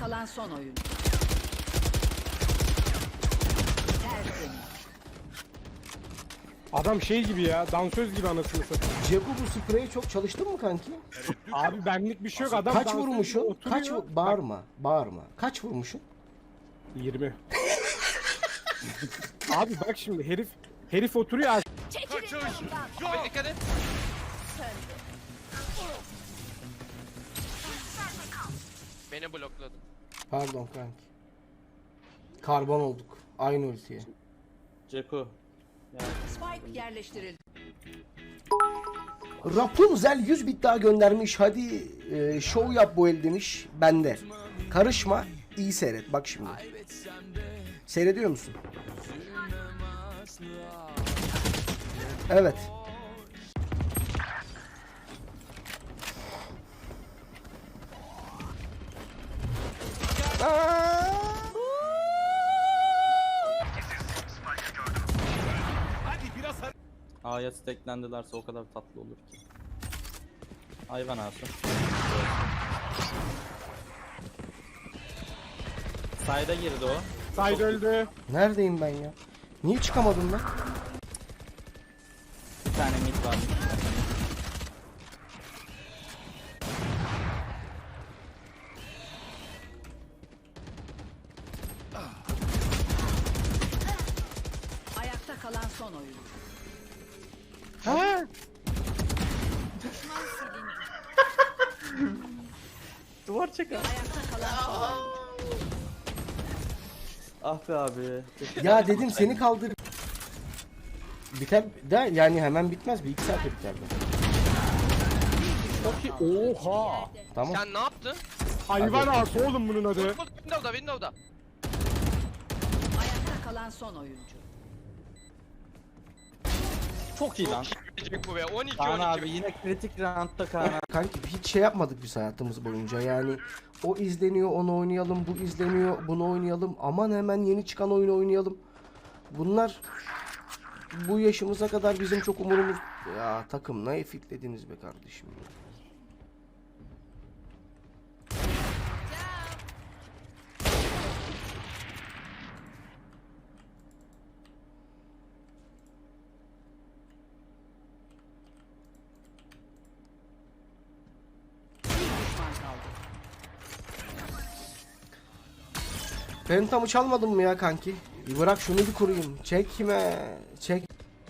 kalan son oyuncu. Tertemiz. Adam şey gibi ya, dansöz gibi anasını satayım. Ceku bu spreye çok çalıştın mı kanki? Abi benlik bir şey yok, adam Kaç dansöz gibi vurmuşsun? oturuyor. Kaç bağırma, bağırma. Kaç vurmuşsun? 20. Abi bak şimdi herif oturuyor. Kaçış yok. Abi dikkat et. Beni blokladı. Pardon kanki. Karbon olduk. Aynı ultiye. Ceku. Spike yerleştirildi. Rapunzel 100 bit daha göndermiş. Hadi şov yap bu el demiş. Bende. Karışma. İyi seyret. Bak şimdi. Seyrediyor musun? Evet. A'ya steklendilerse o kadar tatlı olur ki. Hayvan ağası. Sayda girdi o. Side öldü. Neredeyim ben ya? Niye çıkamadım lan? Bir tane mid var. Ayakta kalan son oyuncu. Ha? Duvar çek abi. Ayakta kalan son oyuncu. Ah be abi. Ya dedim seni kaldır. Biter de yani hemen bitmez. Bir iki saatte biter de. Çok iyi. Oha. Tamam. Sen ne yaptın? Hayvan ağası oğlum bunun adı. Window'da. Ayakta kalan son oyuncu. Çok iyi lan. Gelecek bu be. 12 Kaan 12. abi yine kritik roundda Kaan abi. Kanki hiç şey yapmadık biz hayatımız boyunca. Yani o izleniyor, onu oynayalım, bu izleniyor, bunu oynayalım. Aman hemen yeni çıkan oyunu oynayalım. Bunlar bu yaşımıza kadar bizim çok umurumuz... Ya takım ne fitlediniz be kardeşim. Bir düşman kaldı. Pentamı çalmadın mı ya kanki? Bir bırak şunu bir kurayım. Çekme. Çek.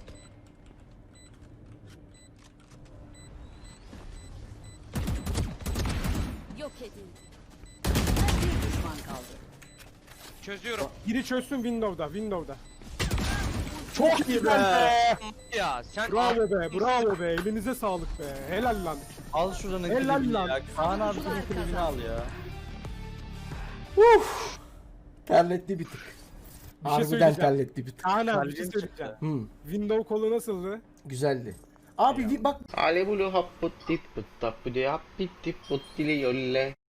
Yok edildi. Bir düşman kaldı. Çözüyorum. Biri çözsün Windows'da. Çok iyi be. Ya sen Bravo be, bravo be. Elinize sağlık be. Helal lan. Al şuranın Helal klibini lan. ya. Kaan abi bunun klibini al ya. Terletti bir tık. Bir şey Harbiden söyleyeceğim. terletti bir tık. Kaan abi bir Kalbim şey çıktı. söyleyeceğim. Hmm, Kolu nasıldı? güzeldi. Abi bir bak Alevulu happutti puttapputi happiti puttili yolle.